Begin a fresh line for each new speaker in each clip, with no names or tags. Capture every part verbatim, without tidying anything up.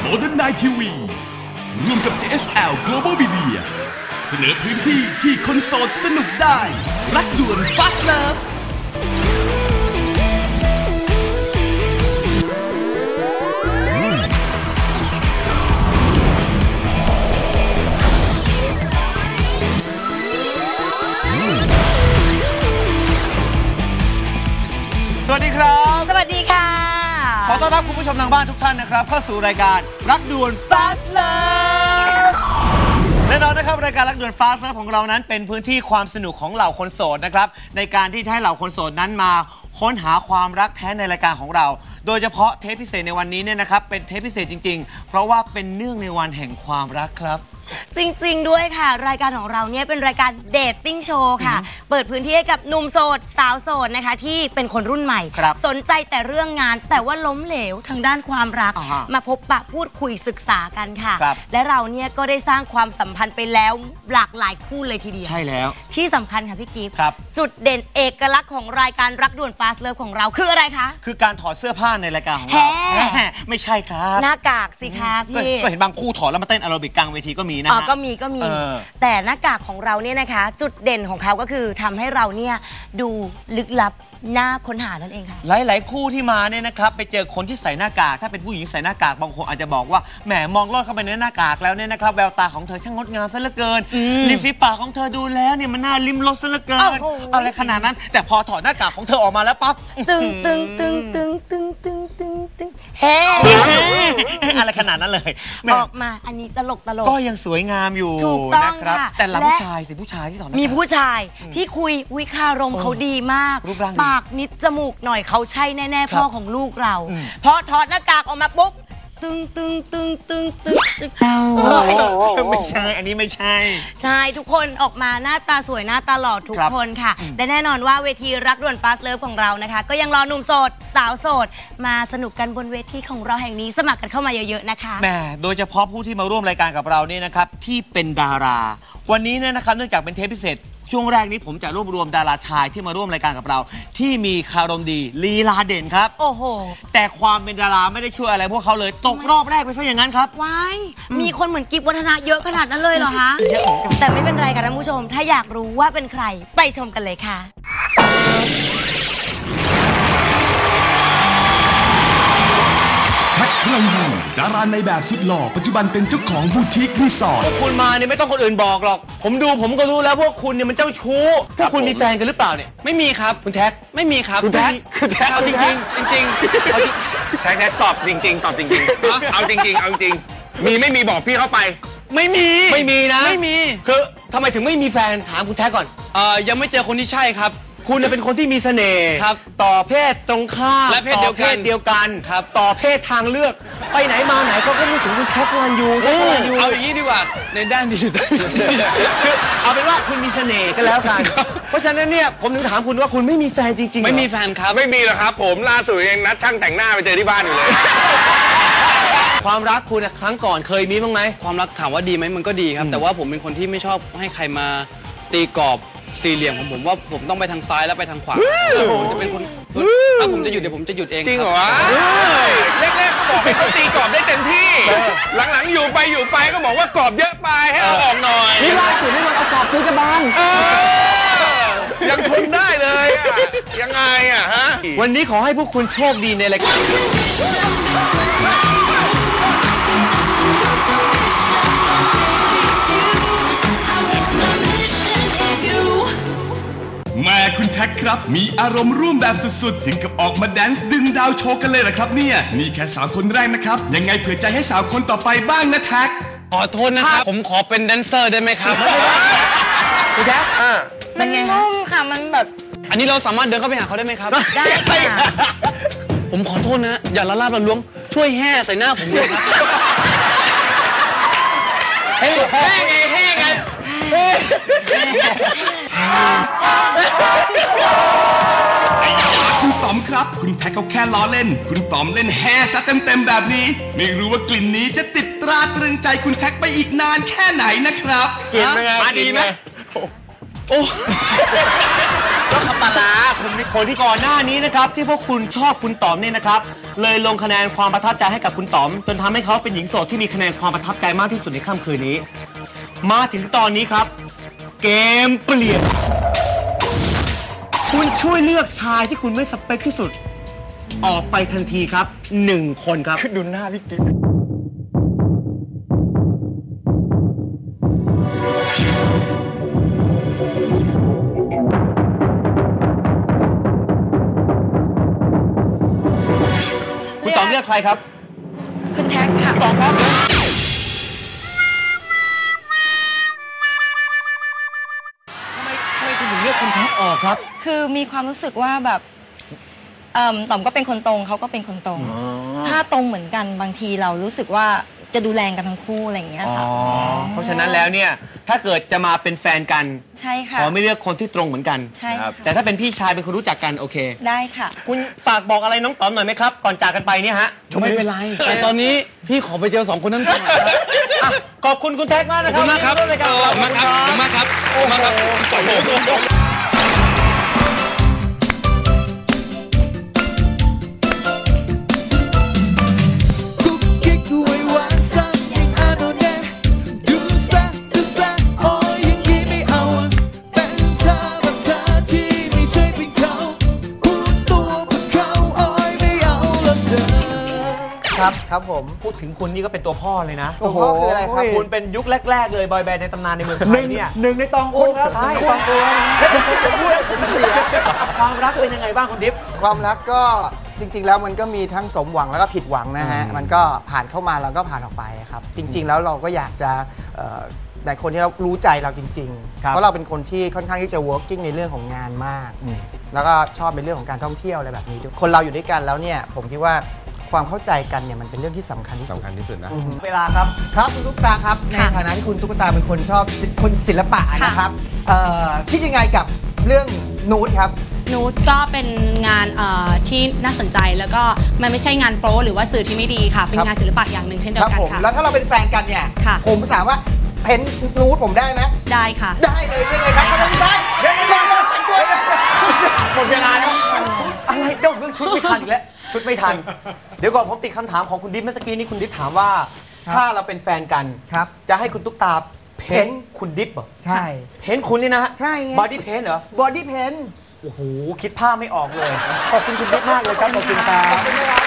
Modern Night ที วี ร่วมกับ เจ เอส แอล Global Media เสนอพื้นที่ที่คนโสดสนุกได้รักด่วน Fast Love
สวัสดีครับ
สวัสดีค่ะ
ขอต้อนรับคุณผู้ชมทางบ้านทุกท่านนะครับเข้าสู่รายการรักด่วน Fast Love แน่นอนนะครับรายการรักด่วน Fast Love ของเรานั้นเป็นพื้นที่ความสนุกของเหล่าคนโสดนะครับในการที่ให้เหล่าคนโสดนั้นมาค้นหาความรักแท้ในรายการของเราโดยเฉพาะเทปพิเศษในวันนี้เนี่ยนะครับเป็นเทปพิเศษจริงๆเพราะว่าเป็นเนื่องในวันแห่งความรักครับ
จริงๆด้วยค่ะรายการของเราเนี่ยเป็นรายการเดทติ้งโชว์ค่ะเปิดพื้นที่ให้กับหนุ่มโสดสาวโสดนะคะที่เป็นคนรุ่นใหม่สนใจแต่เรื่องงานแต่ว่าล้มเหลวทางด้านความรักมาพบปะพูดคุยศึกษากันค่ะและเราเนี่ยก็ได้สร้างความสัมพันธ์ไปแล้วหลากหลายคู่เลยทีเดียว
ใช่แล้ว
ที่สำคัญค่ะพี่กิฟต์จุดเด่นเอกลักษณ์ของรายการรักด่วน Fast Love ของเราคืออะไรคะ
คือการถอดเสื้อผ้าในรายการของเราไม่ใช่ครับ
หน้ากากสิคะพี่
ก็เห็นบางคู่ถอดแล้วมาเต้นแอโรบิกกลางเวทีก็มีนะฮะ
ก็มีก็มีแต่หน้ากากของเราเนี่ยนะคะจุดเด่นของเขาก็คือทำให้เราเนี่ยดูลึกลับน่าค้นหานั่นเองค่ะ
หลายๆคู่ที่มาเนี่ยนะครับไปเจอคนที่ใส่หน้ากากถ้าเป็นผู้หญิงใส่หน้ากากบางคนอาจจะบอกว่าแหมมองลอดเข้าไปในหน้ากากแล้วเนี่ยนะครับแววตาของเธอช่างงดงามซะเหลือเกินริมฝีปากของเธอดูแล้วเนี่ยมันน่าลิ้มรสซะเหลือเกินอะไรขนาดนั้นแต่พอถอดหน้ากากของเธอออกมาแล้วปั๊บ
ตึงตึงตึงตึงตึงตึงตึงตึงเฮ้
อะไรขนาดนั้นเลย
ออกมาอันนี้ตลกตลก
ก็ยังสวยงามอยู่นะครับแต่ละผู้ชายสิผู้ชายที่ถอด
มีผู้ชายที่คุยวิคารมเขาดีมากปากนิดจมูกหน่อยเขาใช่แน่ๆพ่อของลูกเราเพราะถอดหน้ากากออกมาปุ๊บตึงตึงตึงตึงตึงตึง
ไม่ใช่อันนี้ไม่ใช่
ใช่ทุกคนออกมาหน้าตาสวยหน้าตาหล่อทุกคนค่ะแต่แน่นอนว่าเวทีรักด่วน Fast Love ของเรานะคะก็ยังรอหนุ่มโสดสาวโสดมาสนุกกันบนเวทีของเราแห่งนี้สมัครกันเข้ามาเยอะๆนะคะ
แหมโดยเฉพาะผู้ที่มาร่วมรายการกับเราเนี่ยนะครับที่เป็นดาราวันนี้เนี่ยนะครับเนื่องจากเป็นเทปพิเศษช่วงแรกนี้ผมจะรวบรวมดาราชายที่มาร่วมรายการกับเราที่มีคารมดีลีลาเด่นครับ
โอ้โห
แต่ความเป็นดาราไม่ได้ช่วยอะไรพวกเขาเลยตกรอบแรกไปซะอย่างนั้นครับ
ว้ายมีคนเหมือนกิฟวัฒนะเยอะขนาดนั้นเลยเหรอคะ
เยอะ
แต่ไม่เป็นไรค่ะท่านผู้ชมถ้าอยากรู้ว่าเป็นใครไปชมกันเลยค่ะ
แท็กพลังยูดาราในแบบสุดหล่อปัจจุบันเป็นเจ้าของบูติกรีสอร์ท
พวกคุณมาเนี่ยไม่ต้องคนอื่นบอกหรอกผมดูผมก็รู้แล้วพวกคุณเนี่ยมันเจ้าชู้พวกคุณมีแฟนกันหรือเปล่าเนี่ย
ไม่มีครับ
คุณแท็ก
ไม่มีครับ
คุณแท็กคุณแท็กเอาจริงจริง
จริงแท็กแท็กตอบจริงๆตอบจริงๆเอาจริงๆเอาจริงมีไม่มีบอกพี่เข้าไปไม่มี
ไม่มีนะ
ไม่มี
คือทำไมถึงไม่มีแฟนถามคุณแท็กก่อน
เอ่อยังไม่เจอคนที่ใช่ครับ
คุณเป็นคนที่มีเสน่ห์ต่อเพศตรงข้าม
และเพศเดียวกัน
เดียวกันต่อเพศทางเลือกไปไหนมาไหนเขาก็พูดถึงคุณแท็กพลังยู
เอาอย่างนี้ดีกว่าในด้านดี
คือเอาเป็นว่าคุณมีเสน่ห์กันแล้วกันเพราะฉะนั้นเนี่ยผมถึงถามคุณว่าคุณไม่มีแฟนจริงๆ
ไม่มีแฟนครับไม่มีหรอกครับผมล่าสุดยังนัดช่างแต่งหน้าไปเจอที่บ้านอยู่เลย
ความรักคุณครั้งก่อนเคยมีบ้างไหม
ความรักถามว่าดีไหมมันก็ดีครับแต่ว่าผมเป็นคนที่ไม่ชอบให้ใครมาตีกรอบสี่เหลี่ยมของผมว่าผมต้องไปทางซ้ายแล้วไปทางขวาผมจะเป็นคนถ้าผมจะหยุดเดี๋ยวผมจะหยุดเอง
จริงเหรอ
แรกๆก็บอกให้เขาตีกรอบได้เต็มที่หลังๆอยู่ไปอยู่ไปก็บอกว่ากรอบเยอะไปให้เอาออกหน่อย
นี่ล่าสุดนี่มันเอากรอบตีกระบาล
ยังทนได้เลยยังไงอ่ะฮะ
วันนี้ขอให้พวกคุณโชคดีในรายการ
แม่คุณแท็กครับมีอารมณ์ร่วมแบบสุดๆถึงกับออกมาแดนซ์ดึงดาวโชว์กันเลยเหรอครับเนี่ยนี่แค่สาวคนแรกนะครับยังไงเผื่อใจให้สาวคนต่อไปบ้างนะแท็ก
ขอโทษนะครับผมขอเป็นแดนเซอร์ได้ไหมครับ
คุณแท็ก
มันนุ่มค่ะมันแบบ
อันนี้เราสามารถเดินเข้าไปหาเขาได้ไหมครับ
ได้ค่ะ
ผมขอโทษนะอย่าละลาบละล้วงช่วยแห่ใส่หน้าผมเลยครับ
แห่ไงแห่ไง
คุณป๋อมครับคุณแท็กเขาแค่ล้อเล่นคุณป๋อมเล่นแฮ่ซะเต็มๆแบบนี้ไม่รู้ว่ากลิ่นนี้จะติดตราตรึงใจคุณแท็กไปอีกนานแค่ไหนนะครับ
กลิ่นเป็นไง
ดีไหมโอ้
ก็ขับปลาร้าคุณคนที่ก่อนหน้านี้นะครับ ที่พวกคุณชอบคุณต๋อมเนี่ยนะครับ เลยลงคะแนนความประทับใจให้กับคุณต๋อมจนทำให้เขาเป็นหญิงโสดที่มีคะแนนความประทับใจมากที่สุดในค่ำคืนนี้ มาถึงตอนนี้ครับ เกมเปลี่ยน คุณช่วยเลือกชายที่คุณไม่สเปคที่สุด ออกไปทันทีครับหนึ่งคนครับดูหน้าพี่กิ๊กคุณต๋อมเลือกใครครับ
คุณแท็กค่ะ
ต๋อมครับทำไมทำไมคุณถึงเลือกคุณแท็กออกครับ
คือมีความรู้สึกว่าแบบเอ่อต่อมก็เป็นคนตรงเขาก็เป็นคนตรง ถ้าตรงเหมือนกันบางทีเรารู้สึกว่าจะดูแลกันทั้งคู่อะไรอย่างเงี้ย
อ๋อ
ค่ะ
เพราะฉะนั้นแล้วเนี่ย ถ้าเกิดจะมาเป็นแฟนกัน
ใช่ค่ะ
ขอไม่เลือกคนที่ตรงเหมือนกัน
ใช่ค่ะ
แต่ถ้าเป็นพี่ชายเป็นคนรู้จักกันโอเค
ได้ค่ะ
คุณฝากบอกอะไรน้องต๋อมหน่อยไหมครับ ก่อนจากกันไปเนี่ยฮะ
ไม่เป็นไร แต่ตอนนี้พี่ขอไปเจอสองคนนั้นก่อนครับ
อ่ะขอบคุณคุณแท็กมากนะครับ
ขอบคุณมากครับ
ที่ร่วรายการของเรา
ขอบคุณมากครับขอบคุณมากครับ
โอ้โห
ขอบคุณมากครับ
กุ๊กกิ๊กไว้หวานซ้ำยังอาโนเน่ดูซะดูซะโอ้ยอย่างนี้ไม่เอาเป็นเธอแบบเธอที่ไม่ใช่เป็นเขาพูดตัวเป็นเขาโอ้ยไม่เอาละเธอ
ครับครับผมพูดถึงคุณนี่ก็เป็นตัวพ่อเลยนะ
ตัวพ่อคืออะไรครับ
คุณเป็นยุคแรก ๆ เลยบอยแบนด์ในตำนานในเมืองไทยเนี่ย
หนึ่งในตองอูครับ
ใช่
ตองอู
แล้วผมจะพูดให้ผมเสียความรักเป็นยังไงบ้างคุณดิฟ
ความรักก็จริง ๆ แล้วมันก็มีทั้งสมหวังแล้วก็ผิดหวังนะฮะ
อืม
มันก็ผ่านเข้ามาแล้วก็ผ่านออกไปครับ จริง ๆ แล้วเราก็อยากจะเอ่อแต่คนที่เรารู้ใจเราจริง ๆ เพราะเราเป็นคนที่ค่อนข้างที่จะ working ในเรื่องของงานมาก แล้วก็ชอบในเรื่องของการท่องเที่ยวอะไรแบบนี้ด้วยคนเราอยู่ด้วยกันแล้วเนี่ย ผมคิดว่าความเข้าใจกันเนี่ยมันเป็นเรื่องที่สำคัญที่สุด
สำคัญที่สุดนะ
อืม
เวลาครับ
ครับคุณตุ๊กตาครับใน
ค่ะ
ฐานะที่คุณตุ๊กตาเป็นคนชอบคนศิลปะ
ค่ะ
นะครับเอ่อคิดยังไงกับเรื่องนูดครับ
นูดก็เป็นงานเอ่อที่น่าสนใจแล้วก็มันไม่ใช่งานโป๊หรือว่าสื่อที่ไม่ดีค่ะ เป็น
ครับ
งานศิลปะอย่างหนึ่งเช่นเดี
ค
ย
รั
วกัน
ผม
ค่ะ
แล้วถ้าเราเป็นแฟนกันเนี่ย
ค่ะ
ผมสามารถเพ้นนูดผมได้ไหม
ได้ค่ะ
ได้เลยใช่ไหมครับได้เดี๋ยวเดี๋ยวเดี๋ยวเดี๋ยวเดี๋ยว
หมดเวลาแล้วอะไรเดี๋ยวเรื่องชุดไม่ทันอีกแล้วชุดไม่ทัน เดี๋ยวก่อนผมติดคำถามของคุณดิฟเมื่อกี้นี้คุณดิฟถามว่า ถ้าเราเป็นแฟนกัน
ครับ
จะให้คุณตุ๊กตาเพ้นท์คุณดิฟเหรอ
ใช่
เพ้นท์คุณนี่นะฮะ
ใช่ไง
บอดี้เพ้นท์เหรอ
บอดี้เพน
โอ้โห คิดภาพไม่ออกเลย ขอบคุณคุณดิฟมากเลยครับ ขอบคุณครั
ขอบบ คุณนะครับ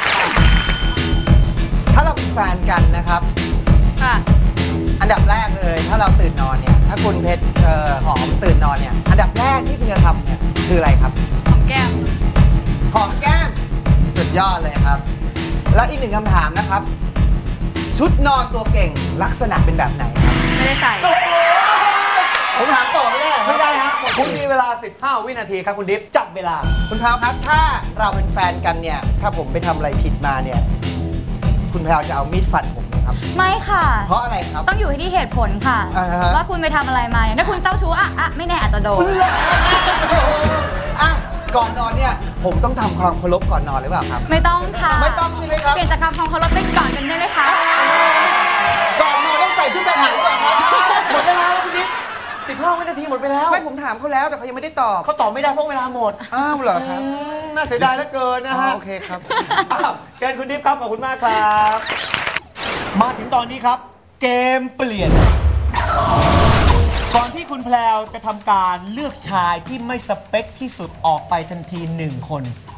ถ้าเราเป็นแฟนกันนะครับ
ค่ะ
อันดับแรกเลย ถ้าเราตื่นนอนเนี่ย ถ้าคุณเพชรเอ่อหอมตื่นนอนเนี่ย อันดับแรกที่คุณจะทำเนี่ยคืออะไรครับ
ของแก้ม
หอมแก้มสุดยอดเลยครับ แล้วอีกหนึ่งคำถามนะครับ ชุดนอนตัวเก่งลักษณะเป็นแบบไหนครับ
ไม่ได้ใส่
ผมถามต่อไม่ได้เหรอ
ไม่ได้ฮะคุณมีเวลา สิบห้า วินาทีครับคุณดิฟ จับเวลา
คุณพราวครับ ถ้าเราเป็นแฟนกันเนี่ย ถ้าผมไปทำอะไรผิดมาเนี่ย คุณพราวจะเอามีดฟันผมไหมครับ
ไม่ค่ะ
เพราะอะไรครับ
ต้องอยู่ที่เหตุผลค่ะ
อ่าฮะ
ว่าคุณไปทำอะไรมาอย่างถ้าคุณเจ้าชู้อ่ะอ่ะไม่แน่อาจจะโดน
อ่ะก่อนนอนเนี่ย ผมต้องทำความเคารพก่อนนอนหรือเปล่าครับ
ไม่ต้องค่ะ
ไม่ต้องใช่ไหมครับ
เปลี่ยนจากคำความเคารพเป็นก่อนกันได้ไหมคะ
ก่อนนอนต้องใส่ชุดทหารหรือเปล่าครับ
หมดเวลาแล้วคุณดิฟ สิบห้า วินาทีหมดไปแล้ว
ไม่ผมถามเขาแล้วแต่เขายังไม่ได้ตอบ
เขาตอบไม่ได้เพราะเวลาหมด
อ้าวเหรอครับ
อืมน่าเสียดายเหลือเกินนะฮะ
อ๋อโอเคครับ
อ้าวเชิญคุณดิฟครับ ขอบคุณมากครับ มาถึงตอนนี้ครับ เกมเปลี่ยน ก่อนที่คุณแพลวจะทำการเลือกชายที่ไม่สเปคที่สุดออกไปทันทีหนึ่งคน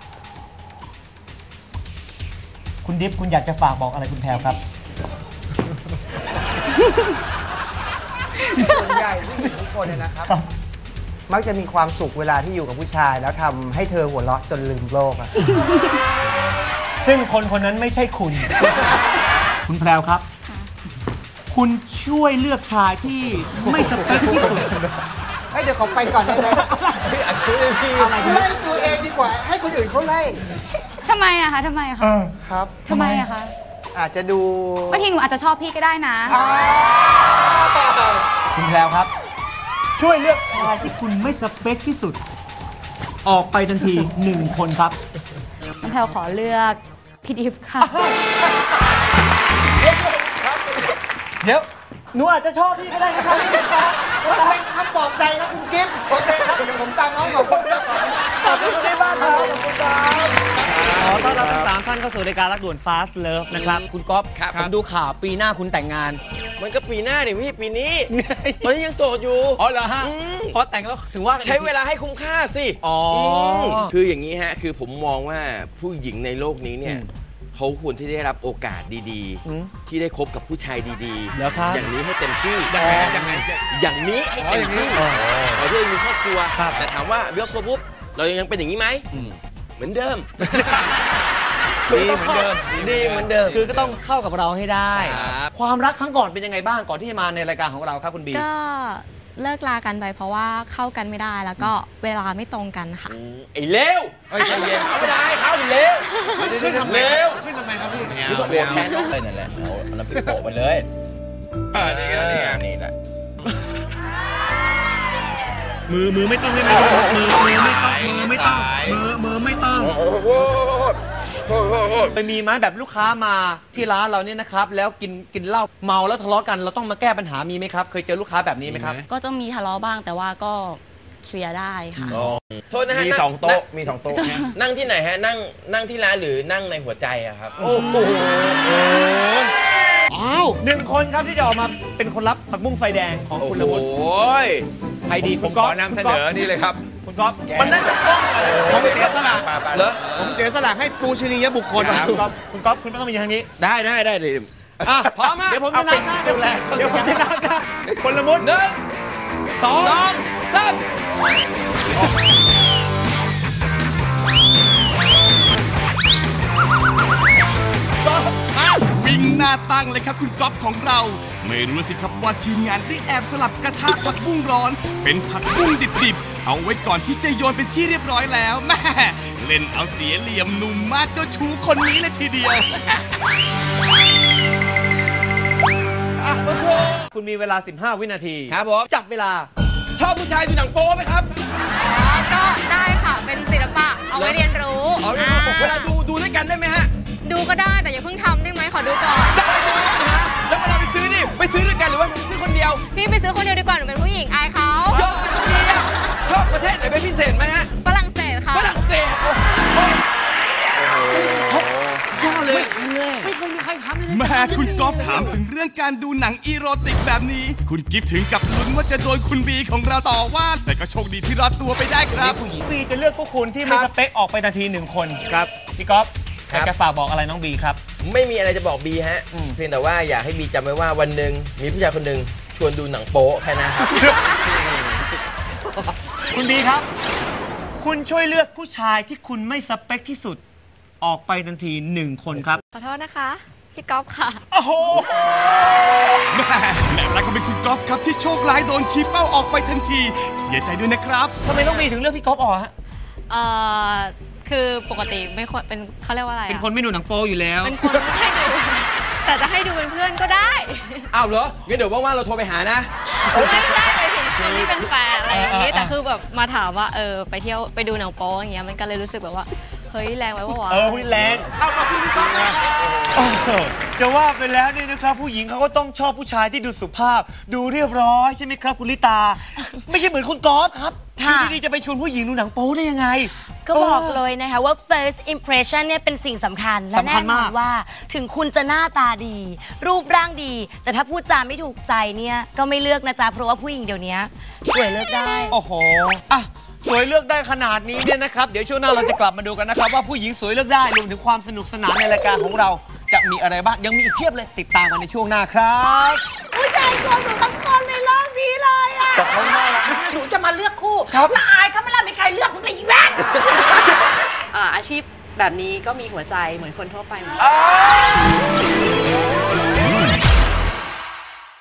คุณดิฟคุณอยากจะฝากบอกอะไรคุณแพลวครับ
ส่วนใหญ่ผู้หญิงทุกคนเนี่ยนะครับ มักจะมีความสุขเวลาที่อยู่กับผู้ชาย แล้วทำให้เธอหัวเราะจนลืมโลกอะ
ซึ่งคนคนนั้นไม่ใช่คุณ คุณแพรวครับ คุณช่วยเลือกชายที่ไม่สเปคที่สุด
ให้เดี๋ยวเขาไปก่อนได้ไหม
อะไรกัน
ไล่ตัวเองดีกว่า ให้คนอื่นเขาไล่
ทำไมอะคะทำไมอะคะ
ครับ
ทำไมอะคะ
อาจจะดู
บางทีหนูอาจจะชอบพี่ก็ได้นะ
อ้าว
คุณแพรวครับ ช่วยเลือกชายที่คุณไม่สเปคที่สุด ออกไปทันทีหนึ่งคนครับ
น้องแพลวขอเลือกพี่ดิฟค่ะ
เดี๋ยว
หนูอาจจะชอบพี่ก็ได้นะครับพี่กิ๊ฟครับผมเป็นคำปลอบใจครับคุณกิ๊ฟโอเคครับเดี๋ยวผมตามน้องของคุณก่อนขอบคุณที่บ้านครับขอบคุณครับ
ขอต้อนรับทั้งสามท่านเข้าสู่รายการรักด่วน Fast Love นะครับ คุณก๊อฟผมดูข่าวปีหน้าคุณแต่งงาน
มันก็ปีหน้าดิพี่ปีนี้ตอนนี้ยังโสดอยู่
อ๋อเหรอฮะ
อืม
พอแต่งแล้วถึงว่ากัน
ใช้เวลาให้คุ้มค่าสิ
อ๋ออื
มคืออย่างนี้ฮะ คือผมมองว่าผู้หญิงในโลกนี้เนี่ย
อืม
เขาควรที่ได้รับโอกาสดี
อืม
ๆ ที่ได้คบกับผู้ชายดี
เหรอครับ
อย่างนี้ให้เต็มที่
ยังไงยังไง
อย่างนี้ให้เต็มที่
อ๋ออย่างนี้
เราที่มีครอบครัว
ครับ
แต่ถามว่าเลือกครบปุ๊บเรายังเป็นอย่างนี้ไหม
อืม
เหมือนเดิม
ดีเหมือนเดิม
ดีเหมือนเดิม
คือก็ต้องเข้ากับเราให้ได้
ครับ
ความรักครั้งก่อนเป็นยังไงบ้างก่อนที่จะมาในรายการของเราครับคุณบี
ก็เลิกลากันไปเพราะว่าเข้ากันไม่ได้แล้วก็เวลาไม่ตรงกันค่ะ
ไอ้เลว
เอ้ยใจเย็น
เอาไม่ได้เขาดิเลว
ขึ้นทำไม
เลว
ขึ้นทำไมครับพี่
นี่ก็โกรธแทนน้องเลยนั่นแหละเอาเอาน้ำพริกโปะไปเลยอ่านี่ไงนี่ไงนี่แหละ
มือมือไม่ต้องได้ไหมมือมือไม่ต้องมือไม่ต้องมือมือไม่ต้อง
โอ้โหโอ้โหโอ้โห
ไปมีไหมแบบลูกค้ามาที่ร้านเราเนี่ยนะครับ แล้วกินกินเหล้าเมาแล้วทะเลาะกันเราต้องมาแก้ปัญหามีไหมครับ เคยเจอลูกค้าแบบนี้ไหมครับ
ก็จะมีทะเลาะบ้างแต่ว่าก็เคลียร์ได้ค่ะ
โทษนะฮะ
มี
นั่
สองโต๊ะ
นั่
มีสองโต๊ะ
นั่งที่ไหนฮะ นั่งนั่งที่ร้านหรือนั่งในหัวใจอะครับ
โอ้โหอ้าวหนึ่งคนครับที่จะออกมาเป็นคนรับผักบุ้งไฟแดงของคุณละมุน
โอ้ย
ใครดี
ผ
คุ
ม
ณ
ข
ก๊อ
อ
ฟ
นำเส
คุณ
น
ก๊อฟ
อนี่เลยครับ
คุณก๊อฟ
มันน่าจะต้องอะไร
ผมเสียสละ
เหรอ
ผมเสียสละให้ปูชนียบุคคล
ครับ
คุณก๊อฟคุณก๊อฟคุณไม่ต้องมายืนทางนี้
ได้ได้ได้เลย
อ่ะ
พร้อมฮะ
เดี๋ยวผมจะนับนะเดี๋ยวเดี๋ยวผมจะนับนะคนละมุน
หนึ่ง
สอง
สองสาม
วิ่งหน้าตั้งเลยครับคุณก๊อฟของเรา ไม่รู้สิครับว่าทีมงานได้แอบสลับกระทะผักบุ้งร้อน เป็นผักบุ้งดิบๆ เอาไว้ก่อนที่จะโยนเป็นที่เรียบร้อยแล้วแม่เล่นเอาเสียเหลี่ยมหนุ่มมากเจ้าชู้คนนี้เลยทีเดียว
คุณมีเวลา สิบห้า วินาที
ครับผม
จับเวลา
ชอบผู้ชายดูหนังโป๊ไหมครับ
ก็ได้ค่ะเป็นศิลปะเอาไว้เรียนรู้
เอา
อ่า
เวลาดูดูด้วยกันได้ไหมฮะ
ดูก็ได้แต่อย่าเพิ่งทำได้ไหมขอดูก่อน
ได้ใช่ไหมฮะแล้วเวลาไปซื้อนี่ไปซื้อด้วยกันหรือว่าซื้อคนเดียว
พี่ไปซื้อคนเดียวดีกว่าหนูเป็นผู้หญิงอายเขา
ชอบดีอะชอบประเทศไหนเป็นพิเศษไหมฮะ
ฝรั่งเศสค่ะ
ฝรั่งเศสโอ้โหยอดเลย
ไม่เคยมีใครทำเลย
แม่คุณก๊อฟถามถึงเรื่องการดูหนังอีโรติกแบบนี้ คุณกิฟถึงกับลุ้นว่าจะโดนคุณบีของเราต่อว่า แต่ก็โชคดีที่รอดตัวไปได้ครับ
ผู้หญิงบีจะเลือกพวกคุณที่ไม่สเปคออกไปนาทีหนึ่งคนครับพี่ก๊อฟอยากจะฝากบอกอะไรน้องบีครับ
ไม่มีอะไรจะบอกบีฮะ
อืม
เพียงแต่ว่าอยากให้บีจำไว้ว่าวันหนึ่งมีผู้ชายคนหนึ่งชวนดูหนังโป๊แค่นั้นครับ
คุณบีครับ คุณช่วยเลือกผู้ชายที่คุณไม่สเปคที่สุด ออกไปทันทีหนึ่งคนครับ
ขอโทษนะคะพี่ก๊อฟค่ะ
โอ้โห
แม่แม่รักก็เป็นคุณก๊อฟครับที่โชคร้ายโดนชี้เป้าออกไปทันที เสียใจด้วยนะครับ
ทำไมน้องบีถึงเลือกพี่ก๊อฟออกฮะ
เอ่อคือปกติไม่ค่อยเป็นเขาเรียกว่าอะไรอะ
เป็นคนไม่ดูหนังโป๊อยู่แล้ว
เป็นคนให้ดูแต่จะให้ดูเป็นเพื่อนก็ได้
อ้าวเหรองั้นเดี๋ยวว่างๆเราโทรไปหานะ
ไม่ได้ไปถึงคนที่เป็นแฟนอะไรอย่างนี้
เออเออ
แต่คือแบบมาถามว่าเออไปเที่ยวไปดูหนังโป๊อย่างเงี้ยมันก็เลยรู้สึกแบบว่าเฮ้ยแรงไว้ปะวะ
เออคุณแรงเอามาคุณพี่ก๊อฟโอ้โหจะว่าไปแล้วนี่นะครับ ผู้หญิงเขาก็ต้องชอบผู้ชายที่ดูสุภาพ ดูเรียบร้อยใช่ไหมครับคุณลิตา ไม่ใช่เหมือนคุณก๊อฟครับ
ค่ะ
อยู่ดีๆจะไปชวนผู้หญิงดูหนังโป๊ได้ยังไง
ก็บอกเลยนะคะว่า first impression เนี่ยเป็นสิ่งสำคัญ และ
สำ
แน่
คัญ
น
มา
อก นว่าถึงคุณจะหน้าตาดี รูปร่างดี แต่ถ้าพูดจาไม่ถูกใจเนี่ยก็ไม่เลือกนะจ๊ะ เพราะว่าผู้หญิงเดี๋ยวนี้สวยเลือกได้
โอ้โหอ่ะสวยเลือกได้ขนาดนี้เนี่ยนะครับ เดี๋ยวช่วงหน้าเราจะกลับมาดูกันนะครับ ว่าผู้หญิงสวยเลือกได้รวมถึงความสนุกสนานในรายการของเราจะมีอะไรบ้างยังมีอีกเพียบเลยติดตามกันในช่วงหน้าครับ
ผู้ชายตัวหนูทั้งคนเลยรอบนี้เลยอ่ะ
หนูจะมาเลือกคู่
ครับ
ละอายเขาไม่ล่ะมีใครเลือกมึงเลยอีแว่น อ่าอาชีพแบบนี้ก็มีหัวใจเหมือนคนทั่วไปเหมือนกัน